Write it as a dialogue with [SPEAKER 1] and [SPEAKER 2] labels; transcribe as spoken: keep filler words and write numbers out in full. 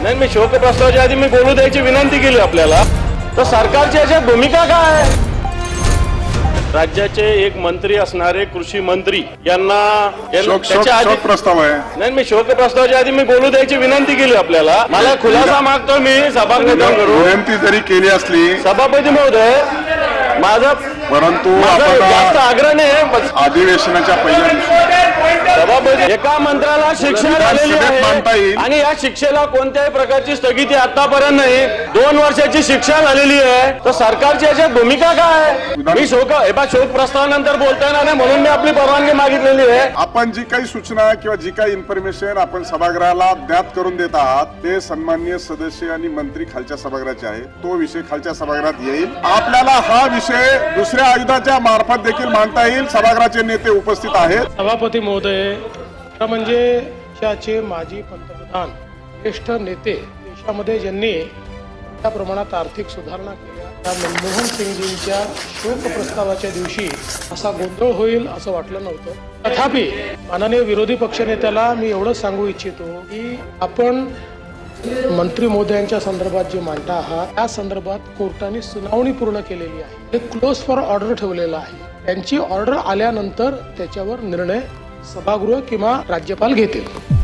[SPEAKER 1] नाही, मी शोक प्रस्तावाच्या आधी मी बोलू द्यायची विनंती केली आपल्याला. तर सरकारची याच्यात भूमिका काय? राज्याचे एक मंत्री असणारे कृषी मंत्री यांना
[SPEAKER 2] त्याच्या आधी प्रस्ताव आहे.
[SPEAKER 1] नाही, मी शोक प्रस्तावाच्या आधी मी बोलू द्यायची विनंती केली आपल्याला. मला खुलासा मागतो मी सभागृहाकडून.
[SPEAKER 2] विनंती जरी केली असली
[SPEAKER 1] सभापती महोदय, माझा
[SPEAKER 2] परंतु
[SPEAKER 1] जास्त आग्रह नाही.
[SPEAKER 2] अधिवेशनाच्या पहिल्या दिवशी
[SPEAKER 1] सभापती, एका मंत्र्याला शिक्षा झालेली
[SPEAKER 2] मानता
[SPEAKER 1] आहे
[SPEAKER 2] येईल
[SPEAKER 1] आणि या शिक्षेला कोणत्याही प्रकारची स्थगिती आतापर्यंत नाही. दोन वर्षाची शिक्षा झालेली आहे. तर सरकारची याच्यात भूमिका काय? मी शोक शोक प्रस्तावानंतर बोलता येणार नाही म्हणून मी आपली परवानगी मागितलेली आहे.
[SPEAKER 2] आपण जी काही सूचना किंवा जी काही इन्फॉर्मेशन आपण सभागृहाला ज्ञात करून देत आहात ते सन्माननीय सदस्य आणि मंत्री खालच्या सभागृहाचे आहे. तो विषय खालच्या सभागृहात येईल. आपल्याला हा विषय दुसऱ्या आयुधाच्या मार्फत देखील मांडता येईल. सभागृहाचे नेते उपस्थित आहेत.
[SPEAKER 3] सभापती महोदय, म्हणजे देशाचे माजी पंतप्रधान, ज्येष्ठ नेते, देशामध्ये ज्यांनी त्या प्रमाणात आर्थिक सुधारणा केल्या, त्या मनमोहन सिंगजींच्या शोक प्रस्तावाच्या दिवशी असा गोंधळ होईल असं वाटलं नव्हतं. तथापि माननीय विरोधी पक्षनेत्याला मी एवढंच सांगू इच्छितो की आपण मंत्री महोदयांच्या संदर्भात जे मांडता आहात त्या संदर्भात कोर्टाने सुनावणी पूर्ण केलेली आहे. ते क्लोज फॉर ऑर्डर ठेवलेलं आहे. त्यांची ऑर्डर आल्यानंतर त्याच्यावर निर्णय सभागृह किंवा राज्यपाल घेतील.